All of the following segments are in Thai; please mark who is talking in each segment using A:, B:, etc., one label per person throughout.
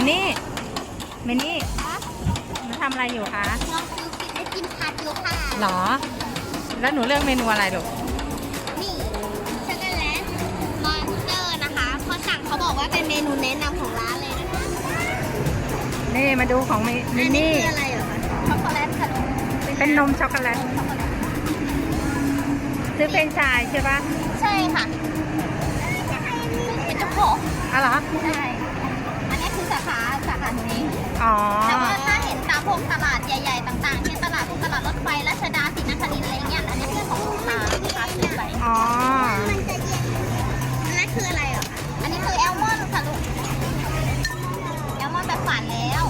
A: นี่มินนี่หนูทำอะไรอยู่คะ
B: น้องซื้อกินได้กินผัดอยู่ค่ะ
A: หรอแล้วหนูเลือกเมนูอะไรลูก
B: นี่ช็อกโกแลตมอนสเตอร์นะคะพอสั่งเขาบอกว่าเป็นเมนูแนะนำของร้านเลยนะคะ
A: นี่มาดูของมิ
B: อั
A: น
B: นนี้
A: นี่
B: คืออะไรเหรอคะช็อกโกแลตค่ะ
A: เป็นนมช็อกโกแลตซื้อเป็นชายใช่ปะ
B: ใช่ค่ะเป็นเจ้าของ
A: อ๋อเหรอ
B: ใช่อันนี้คือสาขานี้
A: อ๋อ
B: แต่ว่าถ้าเห็นตามพวกตลาดใหญ่ๆต่างๆเช่นตลาดรถไฟรัชดาศรีนครินทร์อะไรเงี้ยอันนี้คือของลูกค้าซื้อไป
A: อ๋อ
B: มันจะเย็นอันนั้นคืออะไรเหรอคะอันนี้คือแอลมอนด์ค่ะลูกแอลมอนด์แบบฝานแล้ว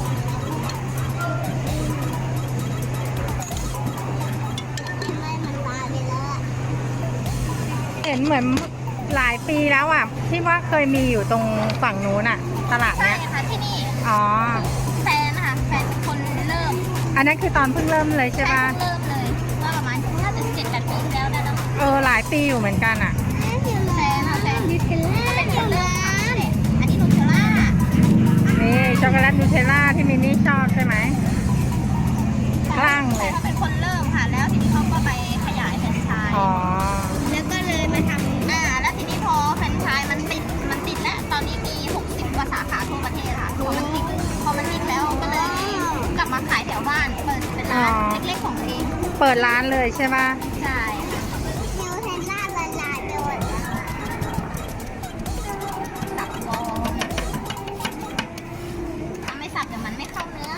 B: ไม่มันตายไปแล้ว
A: เห็นเหมือนหลายปีแล้วอ่ะที่ว่าเคยมีอยู่ตรงฝั่งนู้นอ่ะ ตลาด
B: ใช่
A: เนี้ย
B: ค่ะที่นี่
A: อ๋อ
B: แฟนนะคะแฟนเป็นคนเริ่ม
A: อันนั้นคือตอนเพิ่งเริ่มเลยใช่ปะ
B: เริ่มเลยว่าประมาณน่าจะ7-8 ปีที่แล้วได้แล้ว
A: หลายปีอยู่เหมือนกันอ่ะ
B: แฟนค่ะแฟนนิวเทลล่าเป็นคนเริ่มอันนี้นูเทลล่า
A: นี่ช็อกโกแลตนูเทลล่าที่มินนี่ชอบใช่ไหมคลั่งเลย
B: เขาเป็นคนเริ่มค่ะแล้วทีนี้เขาก็ไปขยายแฟรนไชส์
A: อ๋อ
B: แล้วก็เลยมาทำแล้วทีนี้พอแฟรนไชส์มันติดแล้วตอนนี้มี60 กว่าสาขาทั่วประเทศค่ะพอมันติดแล้วก็เลยกลับมาขายแถวบ้านเปิดเป็นร้านเล็กๆของตัวเอง
A: เปิดร้านเลยใช่ปะ
B: ใช่นิวเทลล่าละลายไปหมดสับฟองถ้าไม่สับเดี๋ยวมันไม่เข้าเนื้อ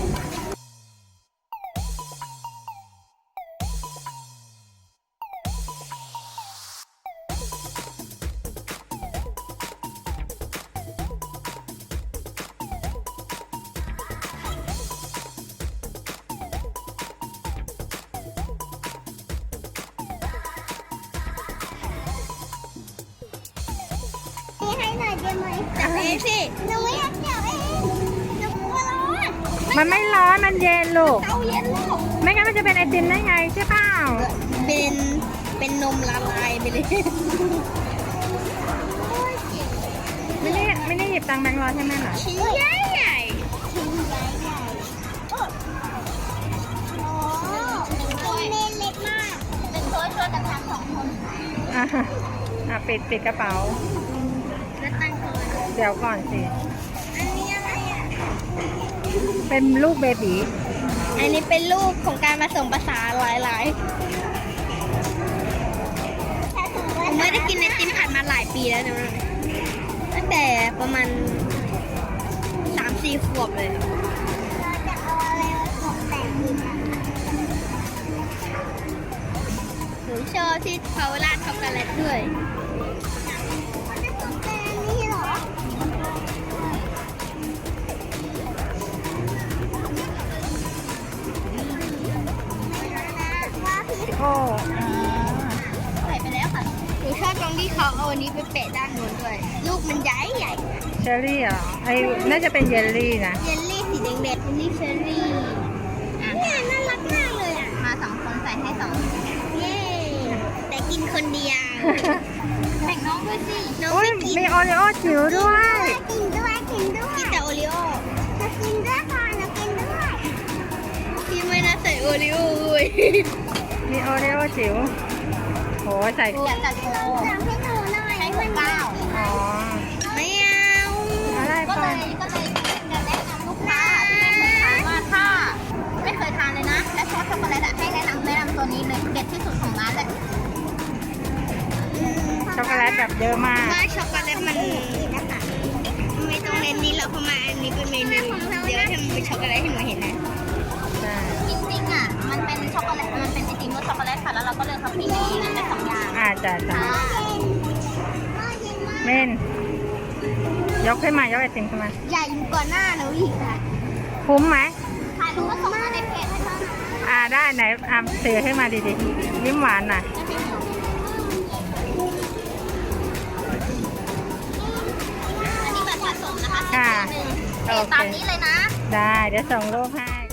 B: ให้หน่อยได้ไหมจับเองสิหนูอยากจับเองหนูกลัวร้อน
A: มันไม่ร้อนมันเย็นลูก
B: เตาเย็นแล้ว
A: ไม่งั้นมันจะเป็นไอติมได้ไงใช่เปล่า
B: เป็นนมละลายไปเลย
A: ไม่ได้หยิบตังค์แบงค์ร้อยให้แม่หรอ
B: ชิ้นใหญ่ใหญ่ชิ้นใหญ่ใหญ่โอ้เป็นเมนเล็กมากเป็นช่วยกันทำ2 คน
A: ปิดกระเป๋า
B: แล้วตั้งก่อน
A: เดี๋ยวก่อนสิ
B: อันนี้อะไรอ่ะ
A: เป็นลูกเบบี
B: อันนี้เป็นรูปของการผสมผสานหลายๆผมไม่ได้กินไอติมผัดมาหลายปีแล้วนะตั้งแต่ประมาณ3-4 ขวบเลยเราจะเอาอะไรมาตกแต่งดีคะหนูชอบที่เขาราดช็อกโกแลตด้วยเขาจะตกแต่งนี่เหรอ
A: โอ้
B: ใส่ไปแล้วค่ะหนูชอบตรงที่เขาเอาอันนี้ไปแปะด้านโน้นด้วย ลูกมันใหญ่ใหญ่
A: เชอร์รี่เหรอน่าจะเป็นเยลลี่นะ
B: เยลลี่สีแดงเด็ดเยลลี่เชอร์รี่เนี่ยน่ารักมากเลยอ่ะ มา2 คนใส่ให้2เย้แต่กินคนเดียวแบ่งน้องด้วยสิน้อง
A: โอ้ย
B: ไม่กิน
A: มีโอริโอจิ๋วด้วย
B: กินด้วยกินแต่โอริโอจะกินด้วยค่ะจะกินด้วยพี่ไม่น่าใส่โอริโอเลย
A: มีโอริโอจิ๋วโหใส่
B: อยากจัดโชว์ให้หนูหน่อยให้มันก้าว
A: อ๋อ
B: ไม่เอา
A: อะไร
B: ก็
A: ก่
B: เล
A: อน
B: ยจะแนะนำลูกค้าที่ไม่เคยทานว่าถ้าไม่เคยทานเลยนะและชอบช็อกโกแลตให้แนะนำตัวนี้เลยเด็ดที่สุดของร้านเลย
A: ช็อกโกแลตแบบเยอะมาก
B: ว่าช็อกโกแลตมันนะคะไม่ต้องเน้นนี้เราเพราะมาอันนี้เป็นเมนูเดี๋ยวทำเป็นช็อกโกแลตให้หนูเห็นนะ
A: ใช่
B: จริงๆอ่ะมันเป็นช็อกโกแลตมันเป็นไอติมรสช็อกโกแลตค่ะแล้วเราก็เลยทำที่นี่ได้2 อย่าง
A: จ้ะ เมนยกขึ้นมายกไอติมขึ้นมา
B: ใหญ่กว่าหน้าหนูอีกค่ะ
A: คุ้มไหม
B: ถ่ายรูปก็ส่งมาในเพจให้เขานะ
A: ได้ไหนถือขึ้นมาดีๆยิ้มหวานหน่อย
B: อันนี้แบบผสมนะคะ
A: ค่ะ
B: 1 ตามนี้เลยนะ
A: ได้เดี๋ยวส่งรูปให้